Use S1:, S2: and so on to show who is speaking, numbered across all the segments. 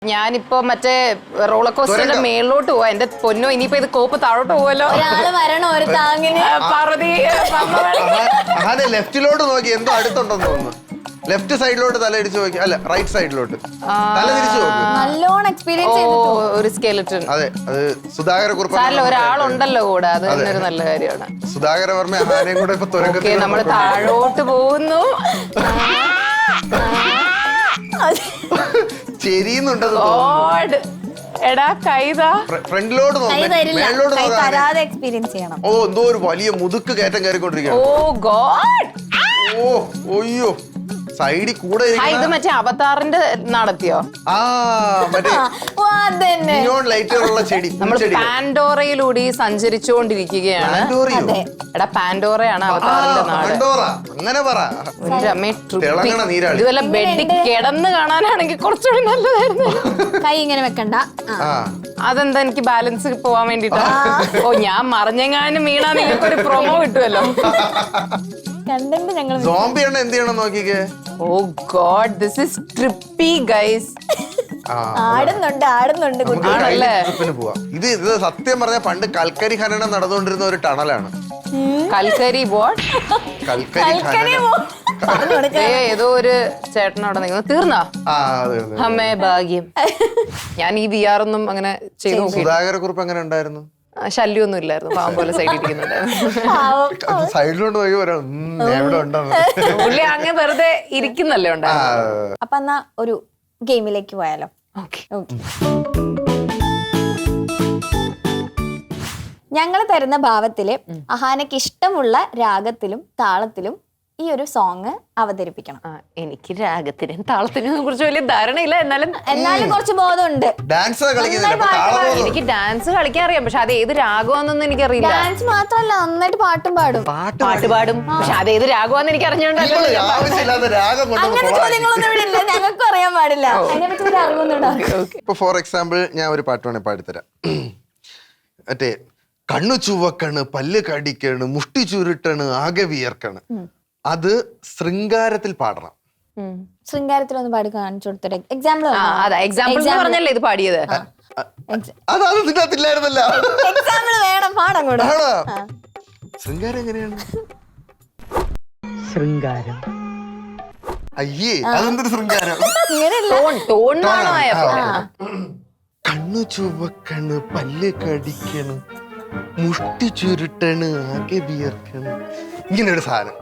S1: ഞാനിപ്പോ മറ്റേ റോളർ കോസ്റ്ററിന്റെ മേളിലോട്ട് പോവാ. എന്റെ പൊന്നോ, ഇനിയിപ്പോ ഇത് കോപ്പ് താഴോട്ട് പോവല്ലോ.
S2: ലെഫ്റ്റിലോട്ട് നോക്കി എന്തോ അടുത്തുണ്ടെന്ന് തോന്നുന്നു. ലെഫ്റ്റ് സൈഡിലോട്ട് തല ഇടിച്ചു നോക്കി. അല്ല, റൈറ്റ് സൈഡിലോട്ട് തല തിരിച്ചു നോക്കി.
S3: നല്ലോണം എക്സ്പീരിയൻസ് ചെയ്തിട്ടുണ്ട്.
S1: ഒരു സ്കെലറ്റൺ.
S2: അതെ, അത് സുധാകര കുറുപ്പ്.
S1: ഒരാളുണ്ടല്ലോ കൂടെ, അത് തന്നെ ഒരു നല്ല കാര്യമാണ്.
S2: സുധാകര വർമ്മ ആനയും കൂടെ ഇപ്പൊ തുരങ്കത്തിൽ
S1: നമ്മള് താഴോട്ട് പോകുന്നു. എടാ കൈതാ
S2: ഫ്രണ്ടിലോട്ട്
S3: എക്സ്പീരിയൻസ് ചെയ്യണം.
S2: ഓ, എന്തോ ഒരു വലിയ മുതുക്ക് കയറ്റം കയറിക്കൊണ്ടിരിക്കുകയാണ്.
S1: ഓ ഗോഡ്.
S2: ഓ ഒയ്യോ, സൈഡിൽ കൂടെ
S1: ഇത് മറ്റേ അവതാറിന്റെ നടത്തിയോ?
S2: ആ, മറ്റേ ലൈറ്റുകളുള്ള ചെടി.
S1: നമ്മൾ പാൻഡോറയിലൂടെ സഞ്ചരിച്ചുകൊണ്ടിരിക്കുകയാണ്. എടാ, പാൻഡോറയാണ് അവതാറിന്റെ നാട്.
S2: അങ്ങനെ പറ.
S1: ഇതുവല്ല ബെഡിൽ കിടന്ന് കാണാനാണെങ്കിൽ കുറച്ചുകൂടി നല്ലതായിരുന്നു.
S3: കൈ ഇങ്ങനെ വെക്കണ്ട.
S1: അതെന്താ, എനിക്ക് ബാലൻസ് പോവാൻ വേണ്ടിട്ടാ. ഓ, ഞാൻ മറിഞ്ഞെങ്ങാനും വീണാ നിങ്ങൾക്ക് ഒരു പ്രൊമോ കിട്ടുമല്ലോ.
S2: സോംബി ആണ് എന്ത് ചെയ്യണം നോക്കിക്കേ.
S1: Oh god, this is trippy guys.
S3: ആടുന്നുണ്ട്.
S2: ഇത് സത്യം പറഞ്ഞ പണ്ട് കൽക്കരി ഖനനം നടന്നുകൊണ്ടിരുന്ന ഒരു ടണലാണ്.
S1: കൽക്കരി ബോട്ട്.
S2: കൽക്കരി
S1: ഏതോ ഒരു ചേട്ടനോടെ നിൽക്കുന്നു. തീർന്നോ? അമ്മേ ഭാഗ്യം. ഞാൻ ഈ VR ഒന്നും അങ്ങനെ ചെയ്തു.
S2: സുധാകര കുറിപ്പ് എങ്ങനെ ഉണ്ടായിരുന്നു?
S1: ശല്യമൊന്നും ഇല്ലായിരുന്നു. പാവം പോലെ സൈഡിൽ ഇരിക്കുന്നുണ്ടായിരുന്നു.
S2: സൈഡിലോട്ട് നോക്കി
S1: പുള്ളി അങ്ങനെ വെറുതെ ഇരിക്കുന്നല്ലേ ഉണ്ടായിരുന്നു.
S3: അപ്പൊ എന്നാ ഒരു ഗെയിമിലേക്ക് പോയാലോ? ഞങ്ങൾ തരുന്ന ഭാവത്തില് അഹാനക്ക് ഇഷ്ടമുള്ള രാഗത്തിലും താളത്തിലും ഈ ഒരു സോങ് അവതരിപ്പിക്കണം.
S1: എനിക്ക് രാഗത്തിനും താളത്തിനും കുറിച്ച് വലിയ ധാരണയില്ല,
S3: എന്നാലും കുറച്ച് ബോധമുണ്ട്.
S1: എനിക്ക് ഡാൻസ് കളിക്കാൻ അറിയാം, പക്ഷെ അത് ഏത് രാഗമാണെന്നൊന്നും എനിക്കറിയില്ല.
S3: ഡാൻസ് മാത്രല്ല, നന്നായിട്ട് പാട്ടും പാടും.
S1: പാട്ട് പാടും, പക്ഷെ അത് ഏത് രാഗമാണെന്ന് എനിക്ക് അറിഞ്ഞോണ്ടല്ലോ.
S3: അങ്ങനെ ചോദ്യങ്ങളൊന്നും ഇവിടെ ഇല്ല, ഞങ്ങൾക്കും അറിയാൻ പാടില്ല. അതിനെപ്പറ്റി ഒരു അറിവൊന്നും ഉണ്ടാവും.
S2: ഇപ്പൊ ഫോർ എക്സാമ്പിൾ ഞാൻ ഒരു പാട്ട് വേണേ പാടിത്തരാം. മറ്റേ കണ്ണു ചുവക്കണ്, പല്ല് കടിക്കണ്, മുഷ്ടി ചുരുട്ടണ്, ആകെ വിയർക്കണ്. അത് ശൃംഗാരത്തിൽ പാടണം.
S3: ശൃംഗാരത്തിൽ ഒന്ന് പാടി കാണിച്ചു കൊടുത്തിട്ട് എക്സാമ്പിൾ
S1: പറഞ്ഞല്ലേ ഇത് പാടിയത്.
S2: അതാണ് ഇതിനകത്തില്ലായിരുന്നല്ലോ.
S3: എക്സാമ്പിൾ വേണം, പാടാൻ കൂടെ.
S2: ശൃംഗാരം എങ്ങനെയാണ്?
S4: ശൃംഗാരം.
S2: അയ്യേ, അതെന്തൊരു ശൃംഗാരം. കണ്ണു ചുവക്കണ്, പല്ല് കടിക്കണ്, മുഷ്ടി ചുരുട്ടണ്, ആകെ വിയർക്കണ്. ഇങ്ങനെ ഒരു സാധനം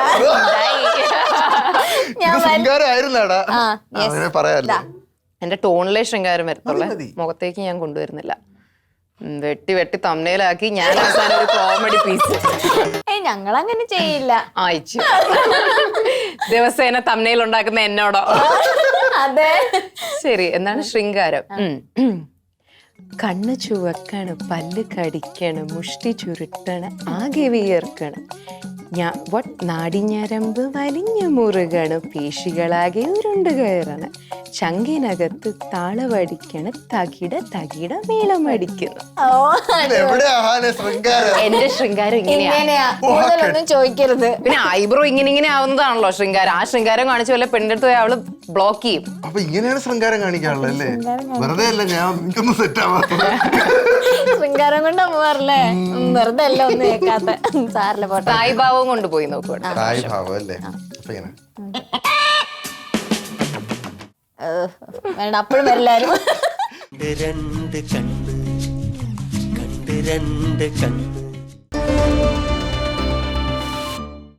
S2: ശൃംഗാരം ആയിരുന്നാടാ, അങ്ങനെ പറയാല്ലോ.
S1: എന്റെ ടോണിലെ ശൃംഗാരം വരത്തുള്ളേ, മുഖത്തേക്ക് ഞാൻ കൊണ്ടുവരുന്നില്ല. വെട്ടി വെട്ടി തമ്മനയിലാക്കി ഞാൻ അവസാനം ഒരു കോമഡി പീസ്.
S3: ഞങ്ങൾ അങ്ങനെ ചെയ്യില്ല.
S1: അയച്ചു ദിവസേന തമ്മനയിൽ ഉണ്ടാക്കുന്ന എന്നോടോ?
S3: അതെ.
S1: ശരി, എന്താണ് ശൃംഗാരം? കണ്ണ് ചുവക്കണ്, പല്ല് കടിക്കണ്, മുഷ്ടി ചുരുട്ടണ്, ആകെ വിയർക്കണ്, നാടിഞ്ഞരമ്പ് വലിഞ്ഞു മുറുകണ്, പേശികളാകെ ഉരുണ്ട് കയറണ്, ചങ്കിനകത്ത് താളവടിക്കണ്, തകിട തകിട മേളമടിക്കുന്നു. എന്റെ ശൃംഗാരം ഇങ്ങനെയാ.
S3: ചോദിക്കരുത്.
S1: പിന്നെ ഐബ്രോ ഇങ്ങനെ ആവുന്നതാണല്ലോ ശൃംഗാരം. ആ ശൃംഗാരം കാണിച്ച പോലെ പെണ്ണെടുത്ത് പോയി അവള് ബ്ലോക്ക് ചെയ്യും.
S2: അപ്പൊ ഇങ്ങനെയാണ് ശൃംഗാരം കാണിക്കാനുള്ളത് അല്ലേ? വെറുതെ അല്ല, ഞാൻ എനിക്കൊന്നും സെറ്റ് ആവാത്ത
S3: ശൃംഗാരം കൊണ്ട് പോവാറില്ലേ? വെറുതെ അല്ല, ഒന്നും കേൾക്കാത്ത സാറിലെ പോട്ടെ.
S1: സായിഭാവം കൊണ്ടുപോയി നോക്കുക.
S3: വേണ്ട, അപ്പോഴും എല്ലാരും
S4: രണ്ട് കണ്ണ്, കണ്ട് രണ്ട് കണ്ണ്.